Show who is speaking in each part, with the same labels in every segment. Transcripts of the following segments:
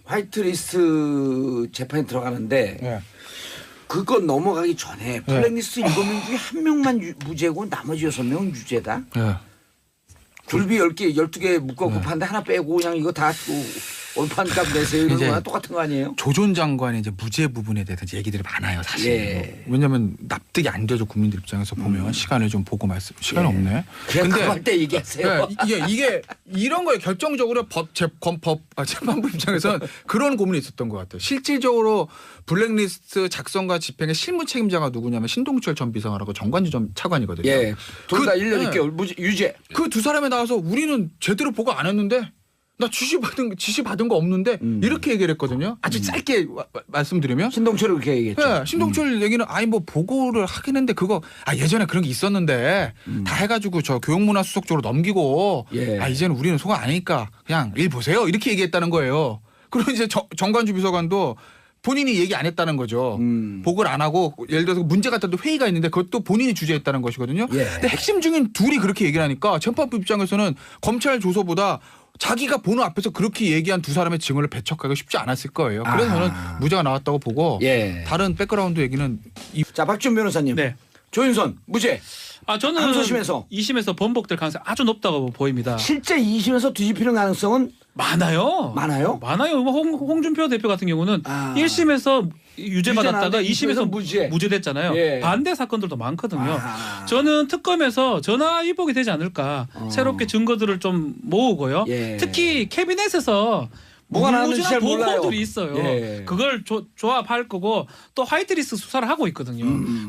Speaker 1: 화이트리스트 재판에 들어가는데
Speaker 2: 네.
Speaker 1: 그거 넘어가기 전에 블랙리스트 7명 중에 한 명만 무죄고 나머지 6명은 유죄다.
Speaker 2: 네.
Speaker 1: 굴비 10개, 12개 묶어갖고 파는데 하나 빼고 그냥 이거 다 원판값 내세요 이런 거랑 똑같은 거 아니에요?
Speaker 2: 조 전 장관의 이제 무죄 부분에 대해서 얘기들이 많아요, 사실.
Speaker 1: 예.
Speaker 2: 왜냐하면 납득이 안 되죠, 국민들 입장에서 보면 시간을 좀 보고 말씀. 시간이 없네.
Speaker 1: 그냥 그거 할 때 얘기하세요.
Speaker 2: 이게 이런 거에 결정적으로 재판부 입장에서는 그런 고민이 있었던 것 같아요. 실질적으로 블랙리스트 작성과 집행의 실무 책임자가 누구냐면 신동철 전 비서관하고 정관주 전 차관이거든요.
Speaker 1: 예. 둘 다 1년 6개월 유죄.
Speaker 2: 그 두 사람에 나와서 우리는 제대로 보고 안 했는데 나 지시 받은 거 없는데 이렇게 얘기를 했거든요. 아주 짧게 말씀드리면
Speaker 1: 신동철이 그렇게 얘기했죠.
Speaker 2: 네, 신동철 얘기는 아니 뭐 보고를 하긴 했는데 그거 예전에 그런 게 있었는데 다 해가지고 저 교육문화수석 쪽으로 넘기고 이제는 우리는 소가 아니니까 그냥 일 보세요 이렇게 얘기했다는 거예요. 그리고 이제 정관주 비서관도 본인이 얘기 안 했다는 거죠. 보고를 안 하고 예를 들어서 문제 같아도 회의가 있는데 그것도 본인이 주재했다는 것이거든요. 근데 핵심 중인 둘이 그렇게 얘기를 하니까 재판부 입장에서는 검찰 조서보다 자기가 보는 앞에서 그렇게 얘기한 두 사람의 증언을 배척하기가 쉽지 않았을 거예요. 그래서 저는 무죄가 나왔다고 보고 다른 백그라운드 얘기는
Speaker 1: 자, 박지훈 변호사님.
Speaker 3: 네.
Speaker 1: 조윤선 무죄.
Speaker 3: 저는
Speaker 1: 항소심에서
Speaker 3: 2심에서 번복될 가능성이 아주 높다고 보입니다.
Speaker 1: 실제 2심에서 뒤집히는 가능성은
Speaker 3: 많아요.
Speaker 1: 많아요?
Speaker 3: 많아요. 홍준표 대표 같은 경우는 1심에서 유죄 받았다가 2심에서 무죄됐잖아요. 반대 사건들도 많거든요. 저는 특검에서 전화 위복이 되지 않을까. 새롭게 증거들을 좀 모으고요. 특히 캐비넷에서
Speaker 1: 뭐가 나왔는지 잘 몰라요.
Speaker 3: 보고들이 있어요. 그걸 조합할 거고 또 화이트리스트 수사를 하고 있거든요.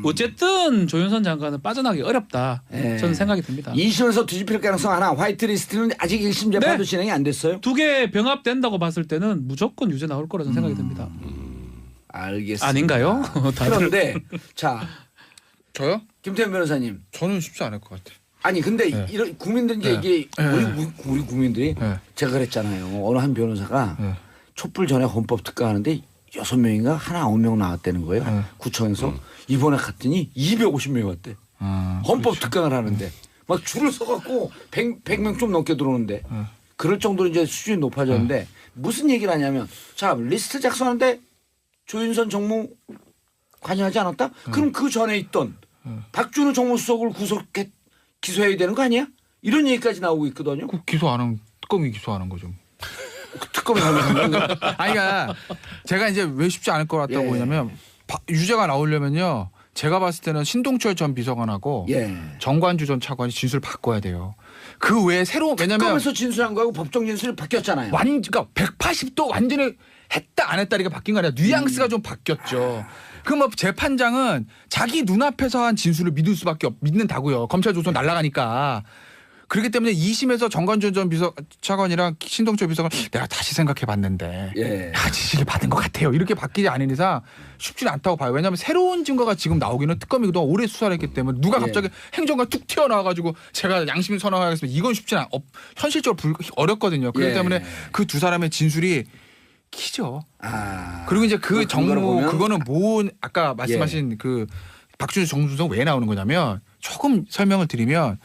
Speaker 3: 어쨌든 조윤선 장관은 빠져나가기 어렵다. 저는 생각이 듭니다.
Speaker 1: 2심에서 뒤집힐 가능성 하나. 화이트리스트는 아직 1심 재판도 진행이 안 됐어요.
Speaker 3: 두 개 병합된다고 봤을 때는 무조건 유죄 나올 거라고 생각이 듭니다.
Speaker 1: 알겠습니다.
Speaker 3: 아닌가요?
Speaker 1: 그런데 자,
Speaker 2: 저요?
Speaker 1: 김태현 변호사님.
Speaker 2: 저는 쉽지 않을 것 같아요.
Speaker 1: 아니 근데 이런 국민들 이게 우리 국민들이 제가 그랬잖아요. 어느 한 변호사가 촛불 전에 헌법 특가하는데 6명인가 하나 9명 나왔다는 거예요. 구청에서 이번에 갔더니 250명이 왔대. 헌법 특강을 하는데 막 줄을 서갖고 100명 좀 넘게 들어오는데 그럴 정도로 이제 수준이 높아졌는데 무슨 얘기를 하냐면 자 리스트 작성하는데 조윤선 정무 관여하지 않았다? 그럼 그 전에 있던 박준우 정무수석을 기소해야 되는 거 아니야? 이런 얘기까지 나오고 있거든요.
Speaker 2: 그 기소 안 하면 특검이 기소하는 거죠.
Speaker 1: 특검이 하면
Speaker 2: 아니 그러니까 제가 이제 왜 쉽지 않을 것 같다고 보냐면 유죄가 나오려면요. 제가 봤을 때는 신동철 전 비서관하고 정관주 전 차관이 진술을 바꿔야 돼요. 그 외에 새로운 왜냐면
Speaker 1: 특검에서 진술한 거하고 법정 진술이 바뀌었잖아요.
Speaker 2: 그러니까 180도 완전히 했다 안 했다리가 바뀐 거 아니라 뉘앙스가 좀 바뀌었죠. 그럼 뭐 재판장은 자기 눈앞에서 한 진술을 믿는다고요. 검찰 조선 날아가니까. 그렇기 때문에 2심에서 정관준 전 차관이랑 신동철 비서관 내가 다시 생각해봤는데 지시를 받은 것 같아요. 이렇게 바뀌지 않은 이상 쉽지는 않다고 봐요. 왜냐하면 새로운 증거가 지금 나오기는 특검이 그동안 오래 수사를 했기 때문에 누가 갑자기 행정가 툭 튀어나와가지고 제가 양심 선언하겠습니다. 이건 쉽지는 현실적으로 어렵거든요. 그렇기 때문에 그 두 사람의 진술이 키죠. 그리고 이제 그 정무 그거는 아까 말씀하신 그 박준수 정무수석 왜 나오는 거냐면 조금 설명을 드리면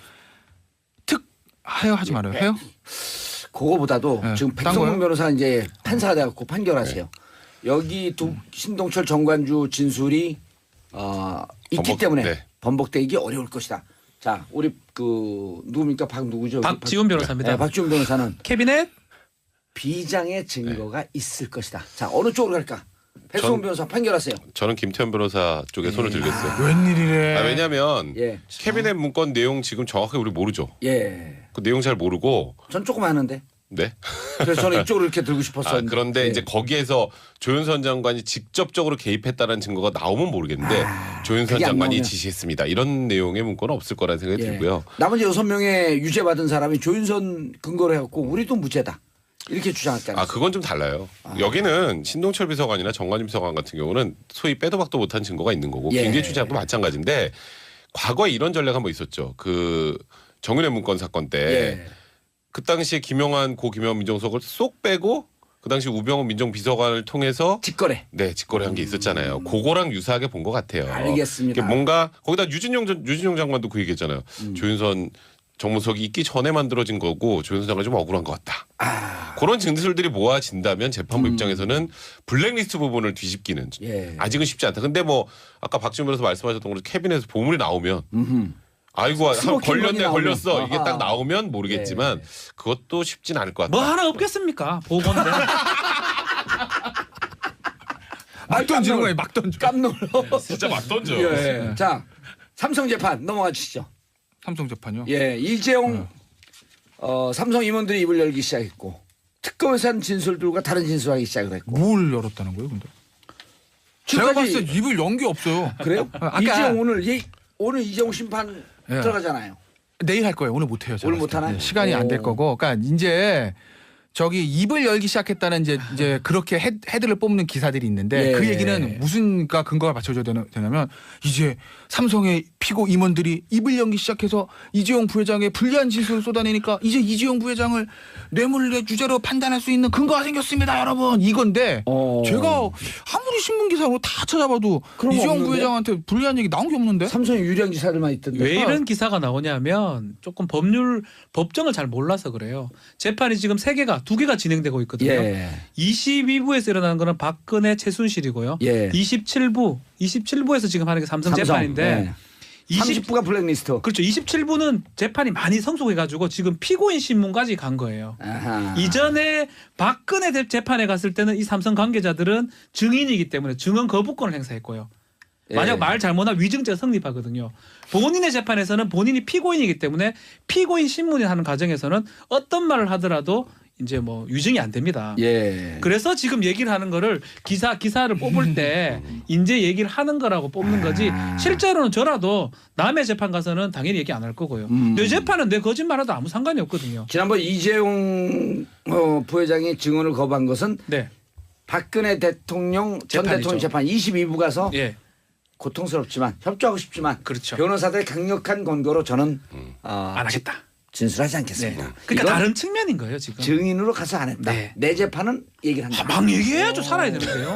Speaker 2: 하지 말아요. 해요?
Speaker 1: 그거보다도 지금 백성문 변호사 이제 판사가 돼갖고 판결하세요. 여기 신동철 정관주 진술이 있기 때문에 번복되기 어려울 것이다. 자, 우리 누굽니까? 누구죠?
Speaker 3: 박지훈 변호사입니다.
Speaker 1: 박지훈 변호사는
Speaker 3: 캐비넷
Speaker 1: 비장의 증거가 있을 것이다. 자, 어느 쪽으로 갈까? 백성문 변호사 판결하세요.
Speaker 4: 저는 김태현 변호사 쪽에 손을 들겠어요.
Speaker 2: 웬일이래.
Speaker 4: 왜냐하면 캐비넷 문건 내용 지금 정확하게 우리 모르죠. 그 내용 잘 모르고.
Speaker 1: 전 조금 아는데.
Speaker 4: 네.
Speaker 1: 그래서 저는 이쪽으로 이렇게 들고 싶었어요.
Speaker 4: 그런데 이제 거기에서 조윤선 장관이 직접적으로 개입했다는 증거가 나오면 모르겠는데 조윤선 장관이 지시했습니다. 이런 내용의 문건은 없을 거라는 생각이 들고요.
Speaker 1: 나머지 6명의 유죄 받은 사람이 조윤선 근거로 해갖고 우리도 무죄다. 이렇게 주장했잖아요.
Speaker 4: 그건 좀 달라요. 여기는 신동철 비서관이나 정관임 비서관 같은 경우는 소위 빼도 박도 못한 증거가 있는 거고 김기춘 장도 마찬가지인데 과거에 이런 전례가 한번 있었죠. 그 정윤회 문건 사건 때 그 당시에 김용환 민정수석을 쏙 빼고 그 당시 우병우 민정비서관을 통해서 직거래한 게 있었잖아요. 그거랑 유사하게 본 것 같아요.
Speaker 1: 알겠습니다.
Speaker 4: 뭔가 거기다 유진용 장관도 그 얘기했잖아요. 조윤선 정무석이 있기 전에 만들어진 거고 조현수 장관이 좀 억울한 것 같다. 그런 진술들이 모아진다면 재판부 입장에서는 블랙리스트 부분을 뒤집기는 아직은 쉽지 않다. 근데 뭐 아까 박지원 변호사 말씀하셨던 것처럼 캐비넷에서 보물이 나오면 아이고 걸렸네 걸렸어 이게 딱 나오면 모르겠지만 그것도 쉽진 않을 것 같다.
Speaker 3: 뭐 하나 없겠습니까? 보건데.
Speaker 2: 막 던지는 거예요. 막 던져.
Speaker 1: 깜놀로.
Speaker 4: 진짜 막 던져.
Speaker 1: 예. 자, 삼성 재판 넘어가 주시죠.
Speaker 2: 삼성 재판요?
Speaker 1: 예, 이재용 삼성 임원들이 입을 열기 시작했고 특검에서 한 진술들과 다른 진술하기 시작을 했고.
Speaker 2: 뭘 열었다는 거예요, 근데? 제가 봤을 때 입을 연 게 없어요.
Speaker 1: 그래요?
Speaker 2: 아까
Speaker 1: 이재용 오늘 이재용 심판 들어가잖아요.
Speaker 2: 내일 할 거예요. 오늘 못 해요.
Speaker 1: 오늘 못 하나요?
Speaker 2: 시간이 안 될 거고. 그러니까 이제 저기 입을 열기 시작했다는 이제 그렇게 헤드를 뽑는 기사들이 있는데 그 얘기는 무슨 근거가 받쳐줘야 되냐면 이제 삼성의 피고 임원들이 입을 열기 시작해서 이재용 부회장의 불리한 진술을 쏟아내니까 이제 이재용 부회장을 뇌물의 유죄로 판단할 수 있는 근거가 생겼습니다, 여러분. 이건데 제가 아무리 신문 기사로 다 찾아봐도 이재용
Speaker 1: 없는데?
Speaker 2: 부회장한테 불리한 얘기 나온 게 없는데.
Speaker 1: 삼성의 유리한 기사들만 있던데.
Speaker 3: 왜 이런 기사가 나오냐면 조금 법정을 잘 몰라서 그래요. 재판이 지금 2개가 진행되고 있거든요. 22부에서 일어나는 거는 박근혜 최순실이고요. 27부에서 지금 하는 게 삼성 재판인데
Speaker 1: 30부가 블랙리스트.
Speaker 3: 그렇죠. 27부는 재판이 많이 성숙해가지고 지금 피고인 신문까지 간 거예요.
Speaker 1: 아하.
Speaker 3: 이전에 박근혜 재판에 갔을 때는 이 삼성 관계자들은 증인이기 때문에 증언 거부권을 행사했고요. 만약 말 잘못하면 위증죄가 성립하거든요. 본인의 재판에서는 본인이 피고인이기 때문에 피고인 신문이 하는 과정에서는 어떤 말을 하더라도 이제 뭐 유증이 안 됩니다. 그래서 지금 얘기를 하는 거를 기사를 뽑을 때 이제 얘기를 하는 거라고 뽑는 거지 실제로는 저라도 남의 재판 가서는 당연히 얘기 안 할 거고요. 내 재판은 내 거짓말하도 아무 상관이 없거든요.
Speaker 1: 지난번 이재용 부회장이 증언을 거부한 것은 박근혜 대통령 전
Speaker 3: 재판이죠.
Speaker 1: 대통령 재판 22부 가서 고통스럽지만 협조하고 싶지만
Speaker 3: 그렇죠.
Speaker 1: 변호사들의 강력한 권고로 저는
Speaker 3: 안 하겠다.
Speaker 1: 진술하지 않겠습니다.
Speaker 3: 그러니까 다른 측면인 거예요 지금.
Speaker 1: 증인으로 가서 안 했다. 내 재판은 얘기를 한다.
Speaker 3: 막 얘기해야죠. 살아야 되는데요.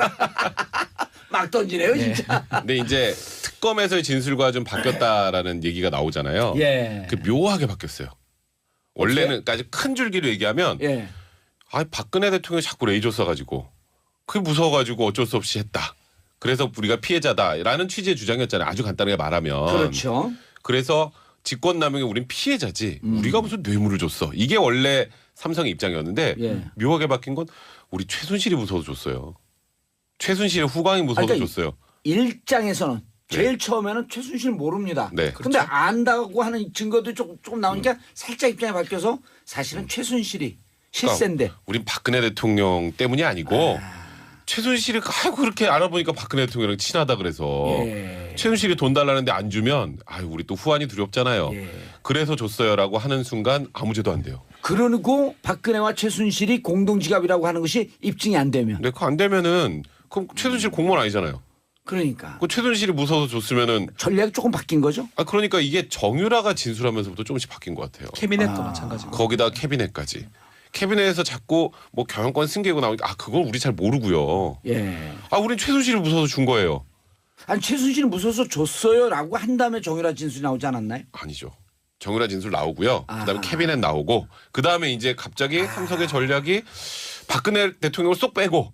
Speaker 1: 막 던지네요 진짜.
Speaker 4: 근데 이제 특검에서의 진술과 좀 바뀌었다라는 얘기가 나오잖아요. 그 묘하게 바뀌었어요. 원래는까지 큰 줄기로 얘기하면 박근혜 대통령이 자꾸 레이저 쏴가지고 그게 무서워가지고 어쩔 수 없이 했다. 그래서 우리가 피해자다라는 취지의 주장이었잖아요. 아주 간단하게 말하면.
Speaker 1: 그렇죠.
Speaker 4: 그래서 직권남용에 우린 피해자지 우리가 무슨 뇌물을 줬어. 이게 원래 삼성의 입장이었는데 묘하게 바뀐 건 우리 최순실이 무서워서 줬어요. 최순실의 후광이 무서워서
Speaker 1: 그러니까
Speaker 4: 줬어요.
Speaker 1: 일장에서는 제일 처음에는 최순실 모릅니다. 그런데 안다고 하는 증거도 조금 나오니까 살짝 입장이 바뀌어서 사실은 최순실이 실세인데.
Speaker 4: 그러니까 우린 박근혜 대통령 때문이 아니고 최순실이 아이고 그렇게 알아보니까 박근혜 대통령이랑 친하다 그래서 최순실이 돈 달라는데 안 주면 아유 우리 또 후환이 두렵잖아요. 그래서 줬어요라고 하는 순간 아무 죄도 안 돼요.
Speaker 1: 그러고 박근혜와 최순실이 공동지갑이라고 하는 것이 입증이 안 되면.
Speaker 4: 네, 그거 안 되면은 그럼 최순실 공무원 아니잖아요.
Speaker 1: 그러니까.
Speaker 4: 그 최순실이 무서워서 줬으면은
Speaker 1: 전략이 조금 바뀐 거죠?
Speaker 4: 그러니까 이게 정유라가 진술하면서부터 조금씩 바뀐 것 같아요.
Speaker 3: 캐비넷도 마찬가지고.
Speaker 4: 거기다 캐비넷까지. 캐비넷에서 자꾸 뭐 경영권 승계고 나오니까 그걸 우리 잘 모르고요. 우린 최순실이 무서워서 준 거예요.
Speaker 1: 아니 최순실이 무서워서 줬어요라고 한 다음에 정유라 진술이 나오지 않았나요?
Speaker 4: 아니죠. 정유라 진술 나오고요. 그다음에 캐비넷 나오고 그다음에 이제 갑자기 삼성의 전략이 박근혜 대통령을 쏙 빼고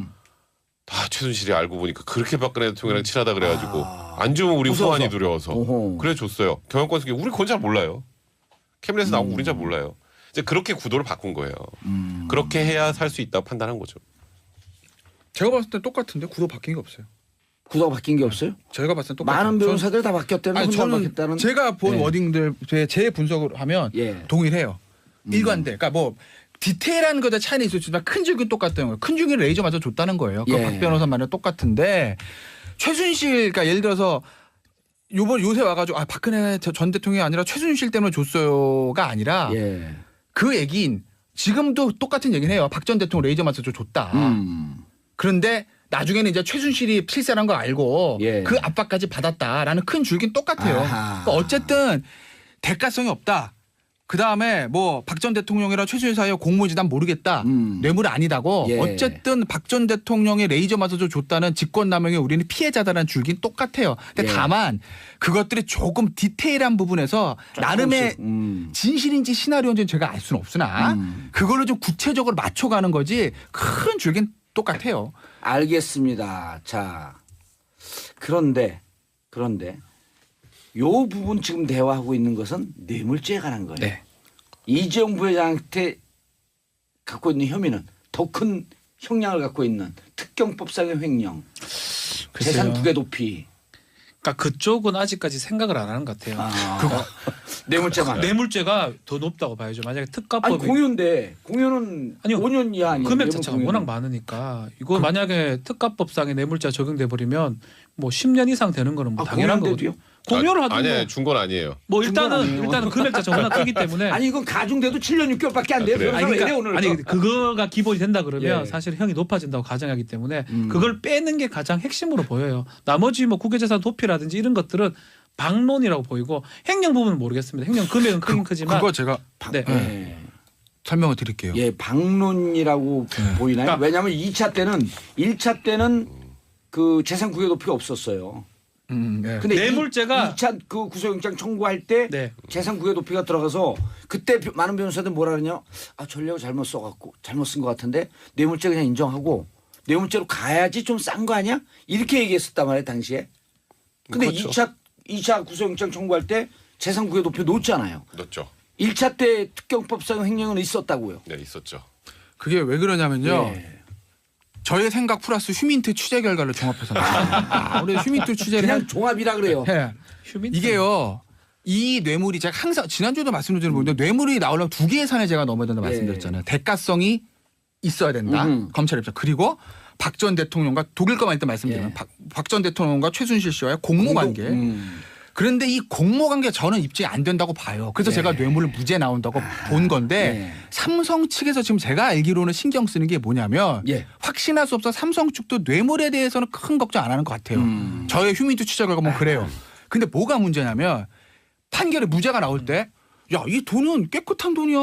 Speaker 4: 다 최순실이 알고 보니까 그렇게 박근혜 대통령이랑 친하다 그래가지고 안 주면 우리
Speaker 1: 무서워서.
Speaker 4: 후환이 두려워서 그래 줬어요. 경영권 승계 우리 그건 잘 몰라요. 캐비넷에서 나오고 우린 잘 몰라요. 이제 그렇게 구도를 바꾼 거예요. 그렇게 해야 살 수 있다고 판단한 거죠.
Speaker 2: 제가 봤을 때 똑같은데 구도 바뀐 게 없어요.
Speaker 1: 구도가 바뀐 게 없어요?
Speaker 2: 제가 봤을 때 똑같아요.
Speaker 1: 많은 변호사들 다 바뀌었다는
Speaker 2: 아니,
Speaker 1: 혼자
Speaker 2: 저는
Speaker 1: 바뀌었다는.
Speaker 2: 제가 본 워딩들 제 분석을 하면 동의를 해요. 일관돼. 그러니까 뭐 디테일한 것에 차이는 있었지만 큰 줄기는 똑같다는 거예요. 큰 줄기를 레이저 맞아 줬다는 거예요. 그 박 변호사 말은 똑같은데 최순실 그러니까 예를 들어서 요새 와가지고 박근혜 전 대통령이 아니라 최순실 때문에 줬어요가 아니라 그 얘기인 지금도 똑같은 얘기는 해요. 박 전 대통령 레이저 맞아 줬다. 그런데 나중에는 이제 최순실이 실세라는 걸 알고 그 압박까지 받았다라는 큰 줄기는 똑같아요. 그러니까 어쨌든 대가성이 없다. 그다음에 뭐 박 전 대통령이랑 최순실 사이의 공모지단 모르겠다. 뇌물 아니다고.
Speaker 1: 예.
Speaker 2: 어쨌든 박 전 대통령의 레이저 마사지 줬다는 직권남용에 우리는 피해자다라는 줄긴 똑같아요. 근데
Speaker 1: 예.
Speaker 2: 다만 그것들이 조금 디테일한 부분에서 나름의 진실인지 시나리오인지는 제가 알 수는 없으나 그걸로 좀 구체적으로 맞춰가는 거지 큰 줄긴 똑같아요.
Speaker 1: 알겠습니다. 자, 그런데 요 부분 지금 대화하고 있는 것은 뇌물죄에 관한 거예요.
Speaker 2: 네.
Speaker 1: 이재용 부회장한테 갖고 있는 혐의는 더 큰 형량을 갖고 있는 특경법상의 횡령, 재산 부계 도피.
Speaker 3: 그러니까 그쪽은 아직까지 생각을 안 하는 것 같아요.
Speaker 1: 뇌물죄만.
Speaker 3: 뇌물죄가 더 높다고 봐야죠. 만약에 특가법이
Speaker 1: 아니 공유는
Speaker 3: 아니요.
Speaker 1: 5년 이하 아니에요.
Speaker 3: 금액 자체가 워낙 많으니까 이거 만약에 특가법상의 뇌물죄 적용돼 버리면 뭐 10년 이상 되는 거는 뭐 당연한 거거든요. 공유를 하든
Speaker 4: 아니에요. 준 건 아니에요.
Speaker 3: 뭐
Speaker 1: 아니에요.
Speaker 3: 일단은 금액 자체가 워낙 크기 때문에
Speaker 1: 아니 이건 가중돼도 7년 6개월밖에 안 돼요.
Speaker 4: 그래요?
Speaker 1: 변호사가 왜 이래 오늘?
Speaker 3: 아니 그거가 기본이 된다 그러면
Speaker 1: 예.
Speaker 3: 사실 형이 높아진다고 가정하기 때문에 그걸 빼는 게 가장 핵심으로 보여요. 나머지 뭐 국외재산 도피라든지 이런 것들은 방론이라고 보이고 행령 부분은 모르겠습니다. 행령 금액은 크긴 크지만
Speaker 2: 그거 제가
Speaker 1: 네.
Speaker 2: 설명을 드릴게요.
Speaker 1: 예, 방론이라고 보이나요?
Speaker 3: 그러니까
Speaker 1: 왜냐하면 1차 때는 그 재산 구개 도피가 없었어요.
Speaker 2: 네.
Speaker 1: 근데
Speaker 3: 뇌물죄가
Speaker 1: 2차 그 구속영장 청구할 때
Speaker 3: 네.
Speaker 1: 재산 구개 도피가 들어가서 그때 많은 변호사들 뭐라 그러냐? 아 전략을 잘못 써갖고 잘못 쓴 것 같은데 뇌물죄 그냥 인정하고 뇌물죄로 가야지 좀 싼 거 아니야? 이렇게 얘기했었단 말이에요 당시에. 근데
Speaker 4: 그렇죠.
Speaker 1: 2차 구속영장 청구할 때 재산 구개 도피 놓잖아요.
Speaker 4: 넣었죠.
Speaker 1: 1차 때 특경법상 횡령은 있었다고요.
Speaker 4: 네, 있었죠.
Speaker 2: 그게 왜 그러냐면요.
Speaker 1: 예.
Speaker 2: 저의 생각 플러스 휴민트 취재 결과를 종합해서 나왔습니다. 우리 휴민트 취재를
Speaker 1: 그냥 종합이라 그래요.
Speaker 2: 해. 이게요. 이 뇌물이 제가 항상 지난주에도 말씀드린 건데 뇌물이 나오려면 두 개의 산에 제가 넘어야 된다 말씀드렸잖아요. 대가성이 있어야 된다. 검찰 입장. 그리고 박 전 대통령과 독일 것만 일단 말씀드리면 박 전 대통령과 최순실 씨와의 공모관계. 그런데 이 공모관계 저는 입증이 안 된다고 봐요. 그래서 제가 뇌물을 무죄 나온다고 본 건데 삼성 측에서 지금 제가 알기로는 신경 쓰는 게 뭐냐면 확신할 수 없어 삼성 측도 뇌물에 대해서는 큰 걱정 안 하는 것 같아요. 저의 휴민트 취재 결과 보면 그래요. 근데 뭐가 문제냐면 판결에 무죄가 나올 때 야, 이 돈은 깨끗한 돈이야.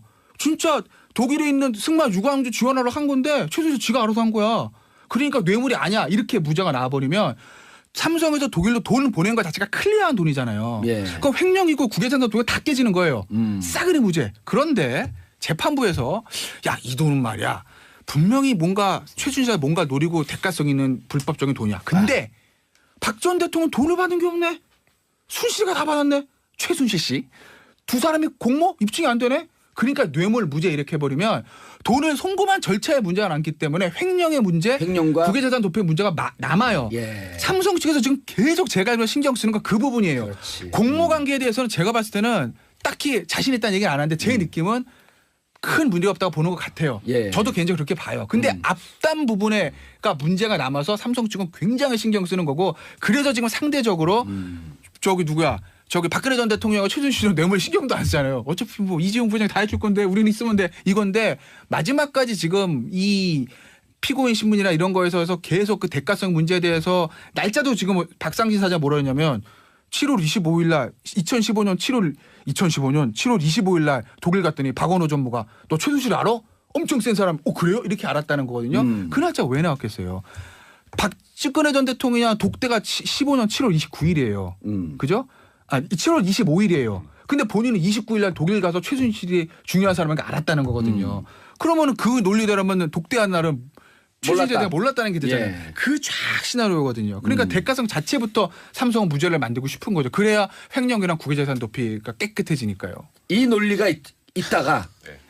Speaker 2: 진짜 독일에 있는 승마 유광주 지원하러 한 건데 최순실 지가 알아서 한 거야. 그러니까 뇌물이 아니야. 이렇게 무죄가 나와버리면 삼성에서 독일로 돈을 보낸 것 자체가 클리어한 돈이잖아요. 그럼 횡령이고 국외재산 도피가 다 깨지는 거예요. 싸그리 무죄. 그런데 재판부에서 야, 이 돈은 말이야. 분명히 뭔가 최순실이 뭔가 노리고 대가성 있는 불법적인 돈이야. 근데 박 전 대통령은 돈을 받은 게 없네. 순실이가 다 받았네. 최순실 씨. 두 사람이 공모 입증이 안 되네. 그러니까 뇌물 무죄 이렇게 해버리면 돈을 송금한 절차의 문제가 남기 때문에 횡령의 문제,
Speaker 1: 횡령과
Speaker 2: 국외재산 도피의 문제가 남아요. 삼성 측에서 지금 계속 제가 알기로 신경 쓰는 건 그 부분이에요.
Speaker 1: 그렇지.
Speaker 2: 공모관계에 대해서는 제가 봤을 때는 딱히 자신 있다는 얘기는 안 하는데 제 느낌은 큰 문제가 없다고 보는 것 같아요. 저도 개인적으로 그렇게 봐요. 근데 앞단 부분에가 문제가 남아서 삼성 측은 굉장히 신경 쓰는 거고 그래서 지금 상대적으로 저기 누구야? 저기 박근혜 전 대통령과 최순실은 뇌물 신경도 안 쓰잖아요. 어차피 뭐 이재용 부회장이 다 해줄 건데 우리는 있으면 돼. 이건데 마지막까지 지금 이 피고인 신문이나 이런 거에서 계속 그 대가성 문제에 대해서 날짜도 지금 박상진 사장 뭐라 했냐면 7월 25일 날 2015년 7월 25일 날 독일 갔더니 박원호 전무가 너 최순실 알아? 엄청 센 사람. 그래요? 이렇게 알았다는 거거든요. 그 날짜 왜 나왔겠어요? 박근혜 전 대통령이랑 독대가 15년 7월 29일이에요. 그죠? 7월 25일이에요. 근데 본인은 29일 날 독일 가서 최순실이 중요한 사람인 걸 알았다는 거거든요. 그러면은 그 논리대로면 독대한 날은 최순실에 대해 몰랐다는 게 되잖아요. 그 쫙 시나리오거든요. 그러니까 대가성 자체부터 삼성은 무죄를 만들고 싶은 거죠. 그래야 횡령이랑 국외재산 도피가 깨끗해지니까요.
Speaker 1: 이 논리가 있다가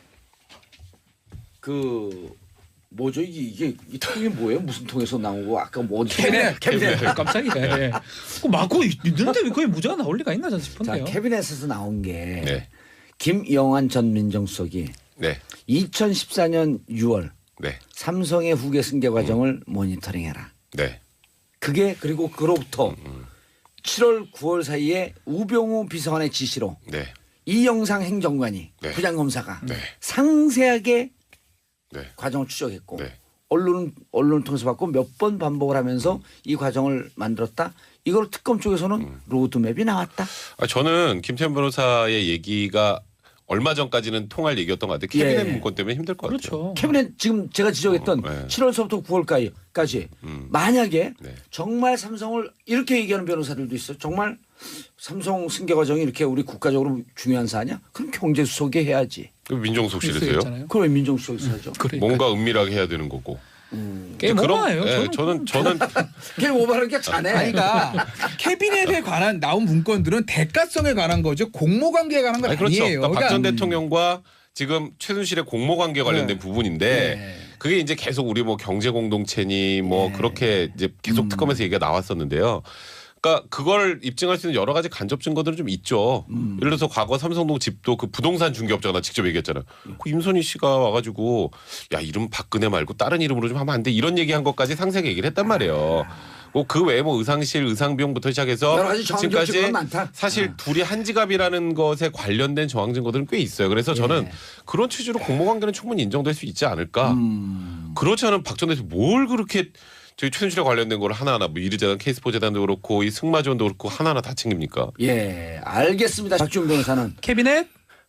Speaker 1: 그 뭐죠 이게 이 통이 뭐예요? 무슨 통에서 나오고 아까 뭐 어디 캐비넷
Speaker 3: 깜짝이야. 맞고 있는데 왜 거의 무죄가 나올 리가 있나 저는 싶은데요.
Speaker 1: 자, 캐비넷에서 나온 게 김영환 전 민정수석이 2014년 6월 삼성의 후계 승계 과정을 모니터링해라. 그게 그리고 그로부터 7월 9월 사이에 우병우 비서관의 지시로 이영상 행정관이 부장검사가 상세하게 과정을 추적했고 언론을 통해서 봤고 몇 번 반복을 하면서 이 과정을 만들었다. 이걸 특검 쪽에서는 로드맵이 나왔다.
Speaker 4: 저는 김태현 변호사의 얘기가 얼마 전까지는 통할 얘기였던 것 같아요. 캐비넷
Speaker 1: 예.
Speaker 4: 문건 때문에 힘들 것 같아요.
Speaker 3: 그렇죠.
Speaker 1: 캐비넷 지금 제가 지적했던
Speaker 4: 네.
Speaker 1: 7월서부터 9월까지 만약에
Speaker 4: 네.
Speaker 1: 정말 삼성을 이렇게 얘기하는 변호사들도 있어요. 정말 삼성 승계 과정이 이렇게 우리 국가적으로 중요한 사안이야? 그럼 경제수석이 해야지.
Speaker 4: 그럼 민정수석실에서요?
Speaker 3: 있잖아요.
Speaker 1: 그럼 왜 민정수석이 하죠?
Speaker 3: 그러니까.
Speaker 4: 뭔가 은밀하게 해야 되는 거고.
Speaker 3: 게임
Speaker 4: 그런-
Speaker 3: 오버예요.
Speaker 4: 예, 저는
Speaker 1: 걔 오버하는 게 자네.
Speaker 2: 아니, 그러니까 캐비넷에 관한 나온 문건들은 대가성에 관한 거죠. 공모관계에 관한 건
Speaker 4: 아니, 그렇죠.
Speaker 2: 아니에요.
Speaker 4: 그러니까 박 전 대통령과 지금 최순실의 공모관계 관련된
Speaker 2: 네.
Speaker 4: 부분인데
Speaker 1: 네.
Speaker 4: 그게 이제 계속 우리 뭐 경제 공동체니 뭐 그렇게 이제 계속 특검에서 얘기가 나왔었는데요. 그러니까 그걸 입증할 수 있는 여러 가지 간접 증거들은 좀 있죠. 예를 들어서 과거 삼성동 집도 그 부동산 중개업자가 나 직접 얘기했잖아요. 그 임선희 씨가 와가지고 야 이름 박근혜 말고 다른 이름으로 좀 하면 안 돼. 이런 얘기한 것까지 상세하게 얘기를 했단 말이에요. 그 외에 뭐 의상실, 의상비용부터 시작해서
Speaker 1: 여러 가지 정황적
Speaker 4: 지금까지
Speaker 1: 증거가 많다.
Speaker 4: 사실 둘이 한 지갑이라는 것에 관련된 정황 증거들은 꽤 있어요. 그래서 저는 그런 취지로 공모관계는 충분히 인정될 수 있지 않을까. 그렇지 않으면 박 전 대통령 뭘 그렇게 저희 최순실에 관련된 걸 하나하나 뭐 이르재단, 케이스포재단도 그렇고 이 승마지원도 그렇고 하나하나 다 챙깁니까?
Speaker 1: 예, 알겠습니다. 박지원 변호사는
Speaker 3: 캐비넷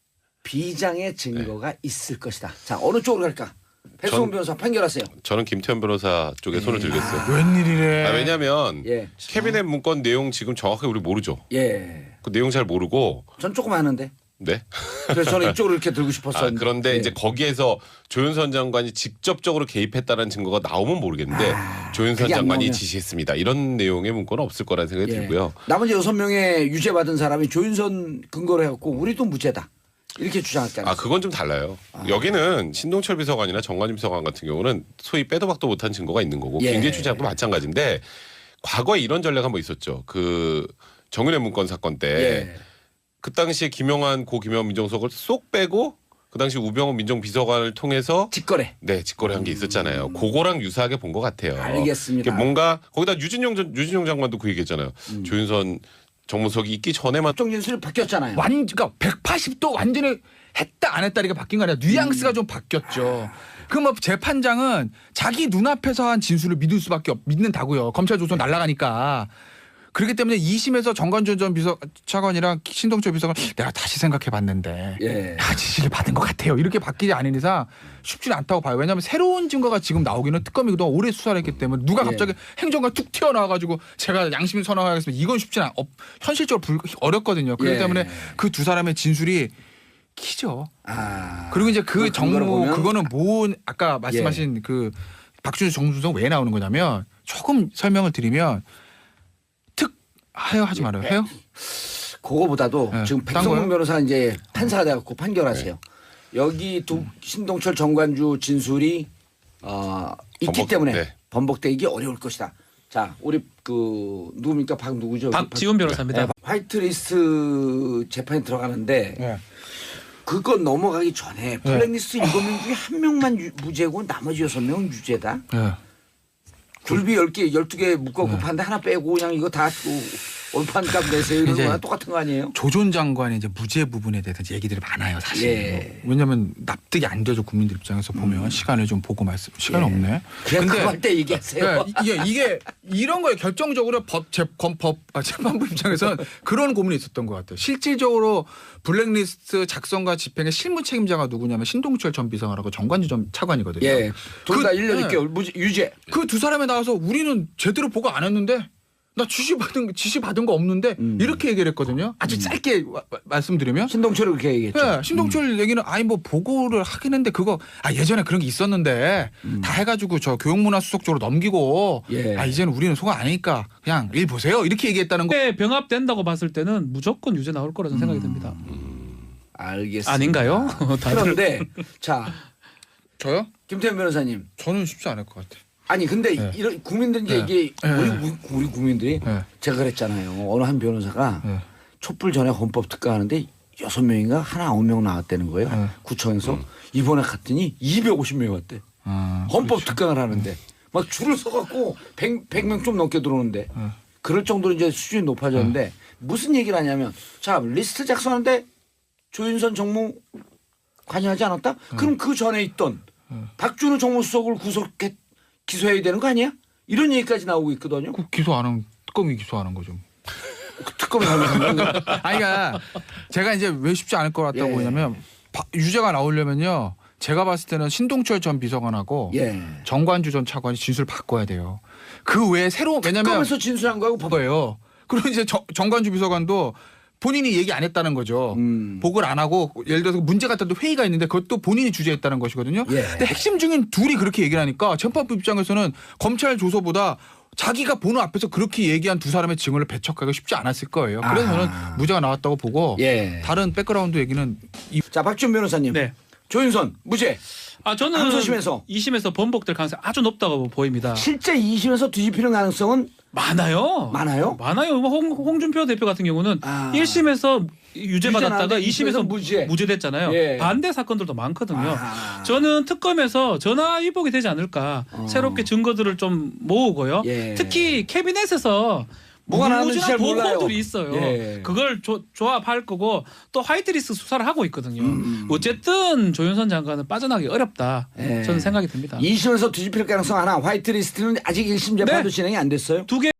Speaker 1: 비장의 증거가 있을 것이다. 자, 어느 쪽으로 갈까? 백승훈
Speaker 4: 전-
Speaker 1: 변호사 판결하세요.
Speaker 4: 저는 김태현 변호사 쪽에 손을 들겠어요.
Speaker 2: 웬일이래.
Speaker 4: 왜냐하면
Speaker 1: 예,
Speaker 4: 캐비넷 문건 내용 지금 정확하게 우리 모르죠.
Speaker 1: 예.
Speaker 4: 그 내용 잘 모르고
Speaker 1: 전 조금 아는데.
Speaker 4: 네.
Speaker 1: 그래서 저는 이쪽으로 이렇게 들고 싶었었는데.
Speaker 4: 그런데
Speaker 1: 예.
Speaker 4: 이제 거기에서 조윤선 장관이 직접적으로 개입했다는 증거가 나오면 모르겠는데 조윤선
Speaker 1: 그게 안
Speaker 4: 장관이
Speaker 1: 나오면.
Speaker 4: 지시했습니다. 이런 내용의 문건은 없을 거라는 생각이
Speaker 1: 예.
Speaker 4: 들고요.
Speaker 1: 나머지 6명의 유죄 받은 사람이 조윤선 근거로 해갖고 우리도 무죄다. 이렇게 주장했잖아요.
Speaker 4: 그건 좀 달라요. 여기는 신동철 비서관이나 정관임 비서관 같은 경우는 소위 빼도 박도 못한 증거가 있는 거고
Speaker 1: 예.
Speaker 4: 김기현 추장도 마찬가지인데 과거에 이런 전례가 한번 있었죠. 그 정윤회 문건 사건 때
Speaker 1: 예.
Speaker 4: 그 당시에 김용한 고 김용한 민정수석을 쏙 빼고 그 당시 우병우 민정비서관을 통해서
Speaker 1: 직거래.
Speaker 4: 네 직거래한 게 있었잖아요. 그거랑 유사하게 본 것 같아요.
Speaker 1: 알겠습니다.
Speaker 4: 이게 뭔가 거기다 유진용 장관도 그 얘기했잖아요. 조윤선 정무석이 있기 전에만
Speaker 1: 정진술이 바뀌었잖아요.
Speaker 2: 그러니까 180도 완전히 했다 안 했다리가 바뀐 거 아니라 뉘앙스가 좀 바뀌었죠. 그럼 뭐 재판장은 자기 눈앞에서 한 진술을 믿는다고요. 검찰 조선 날아가니까. 그렇기 때문에 2심에서 정관준 전 비서차관이랑 신동철 비서관 내가 다시 생각해봤는데
Speaker 1: 예.
Speaker 2: 지시를 받은 것 같아요. 이렇게 바뀌지 않은 이상 쉽지는 않다고 봐요. 왜냐하면 새로운 증거가 지금 나오기는 특검이 그동안 오래 수사를 했기 때문에 누가 갑자기 행정관 툭 튀어나와가지고 제가 양심을 선언하겠습니다. 이건 쉽지는 현실적으로 어렵거든요. 그렇기
Speaker 1: 예.
Speaker 2: 때문에 그 두 사람의 진술이 키죠. 그리고 이제 그
Speaker 1: 근거를
Speaker 2: 정무
Speaker 1: 보면-
Speaker 2: 그거는 아까 말씀하신 그 박준수 정무수석 왜 나오는 거냐면 조금 설명을 드리면 하지 말아요. 해요?
Speaker 1: 그거보다도
Speaker 2: 네.
Speaker 1: 지금
Speaker 2: 딴
Speaker 1: 백성문
Speaker 2: 거요?
Speaker 1: 변호사 이제 판사가 돼갖고 판결하세요. 여기 신동철 정관주 진술이 있기
Speaker 4: 번복,
Speaker 1: 때문에
Speaker 4: 네.
Speaker 1: 번복되기 어려울 것이다. 자, 우리 누굽니까? 누구죠?
Speaker 3: 박지훈 변호사입니다.
Speaker 1: 화이트리스트 재판에 들어가는데
Speaker 2: 네.
Speaker 1: 그거 넘어가기 전에 블랙리스트 7명 중에 한 명만 무죄고 나머지 6명은 유죄다.
Speaker 2: 네.
Speaker 1: 굴비 10개, 12개 묶어갖고 파는데 하나 빼고 그냥 이거 다 올판값 내세요 이런
Speaker 2: 이제
Speaker 1: 거랑 똑같은 거 아니에요?
Speaker 2: 조 전 장관의 이제 무죄 부분에 대해서 이제 얘기들이 많아요, 사실.
Speaker 1: 예.
Speaker 2: 왜냐하면 납득이 안 되죠, 국민들 입장에서 보면 시간을 좀 보고 시간이 없네.
Speaker 1: 그냥 그거 할 때 얘기하세요.
Speaker 2: 이게 이런 거에 결정적으로 재판부 입장에서는 그런 고민이 있었던 것 같아요. 실질적으로 블랙리스트 작성과 집행의 실무 책임자가 누구냐면 신동철 전 비서관하고 정관주 전 차관이거든요.
Speaker 1: 예. 둘 다
Speaker 2: 그-
Speaker 1: 1년
Speaker 2: 예.
Speaker 1: 6개월 유죄.
Speaker 2: 그 두 사람에 나와서 우리는 제대로 보고 안 했는데 나 지시 받은 거 없는데 이렇게 얘기를 했거든요. 아주 짧게 말씀드리면
Speaker 1: 신동철이 그렇게 얘기했죠.
Speaker 2: 예, 신동철 얘기는 뭐 보고를 하긴 했는데 그거 예전에 그런 게 있었는데 다 해가지고 저 교육문화수석 쪽으로 넘기고
Speaker 1: 예.
Speaker 2: 이제는 우리는 소가 아니니까 그냥 일 보세요 이렇게 얘기했다는 거.
Speaker 3: 병합된다고 봤을 때는 무조건 유죄 나올 거라는 생각이 듭니다.
Speaker 1: 알겠습니다.
Speaker 3: 아닌가요?
Speaker 1: 그런데 자
Speaker 2: 저요?
Speaker 1: 김태현 변호사님.
Speaker 2: 저는 쉽지 않을 것 같아요.
Speaker 1: 아니 근데
Speaker 2: 네.
Speaker 1: 이런 국민들 이제
Speaker 2: 네.
Speaker 1: 이게
Speaker 2: 네.
Speaker 1: 우리 국민들이
Speaker 2: 네.
Speaker 1: 제가 그랬잖아요. 어느 한 변호사가
Speaker 2: 네.
Speaker 1: 촛불 전에 헌법 특가하는데 6명인가 하나 9명 나왔다는 거예요.
Speaker 2: 네.
Speaker 1: 구청에서 이번에 갔더니 250명이 왔대. 헌법 특강을 하는데 막 줄을 서갖고 100명 좀 넘게 들어오는데 그럴 정도로 이제 수준이 높아졌는데 무슨 얘기를 하냐면 자 리스트 작성하는데 조윤선 정무 관여하지 않았다? 그럼 그 전에 있던 박준우 정무수석을 기소해야 되는 거 아니야? 이런 얘기까지 나오고 있거든요.
Speaker 2: 그 기소 안 하면 특검이 기소하는 거죠.
Speaker 1: 특검이 잘못한 거.
Speaker 2: 아니 그러니까 제가 이제 왜 쉽지 않을 것 같다고
Speaker 1: 예.
Speaker 2: 보냐면 유죄가 나오려면요. 제가 봤을 때는 신동철 전 비서관하고
Speaker 1: 예.
Speaker 2: 정관주 전 차관이 진술 바꿔야 돼요. 그 외에 왜냐면
Speaker 1: 특검에서 진술한 거하고
Speaker 2: 거예요. 그리고 이제 정관주 비서관도 본인이 얘기 안 했다는 거죠. 보고를 안 하고 예를 들어서 문제가 있다도 회의가 있는데 그것도 본인이 주재했다는 것이거든요.
Speaker 1: 예.
Speaker 2: 근데 핵심 중인 둘이 그렇게 얘기를 하니까 재판부 입장에서는 검찰 조서보다 자기가 보는 앞에서 그렇게 얘기한 두 사람의 증언을 배척하기가 쉽지 않았을 거예요. 그래서 저는 무죄가 나왔다고 보고
Speaker 1: 예.
Speaker 2: 다른 백그라운드 얘기는
Speaker 1: 자, 박준 변호사님.
Speaker 3: 네.
Speaker 1: 조윤선 무죄.
Speaker 3: 저는
Speaker 1: 항소심에서
Speaker 3: 2심에서 번복될 가능성이 아주 높다고 보입니다.
Speaker 1: 실제 2심에서 뒤집히는 가능성은
Speaker 3: 많아요.
Speaker 1: 많아요?
Speaker 3: 많아요. 홍준표 대표 같은 경우는 1심에서 유죄 받았다가 2심에서 무죄됐잖아요.
Speaker 1: 예.
Speaker 3: 반대 사건들도 많거든요. 저는 특검에서 전화 위복이 되지 않을까. 새롭게 증거들을 좀 모으고요.
Speaker 1: 예.
Speaker 3: 특히 캐비넷에서
Speaker 1: 뭐가 나왔는지 잘 몰라요.
Speaker 3: 보고들이 있어요.
Speaker 1: 예.
Speaker 3: 그걸 조합할 거고 또 화이트리스트 수사를 하고 있거든요. 어쨌든 조윤선 장관은 빠져나가기 어렵다.
Speaker 1: 예.
Speaker 3: 저는 생각이 듭니다.
Speaker 1: 2심에서 뒤집힐 가능성 하나. 화이트리스트는 아직 1심 재판도
Speaker 3: 네.
Speaker 1: 진행이 안 됐어요.
Speaker 3: 두 개.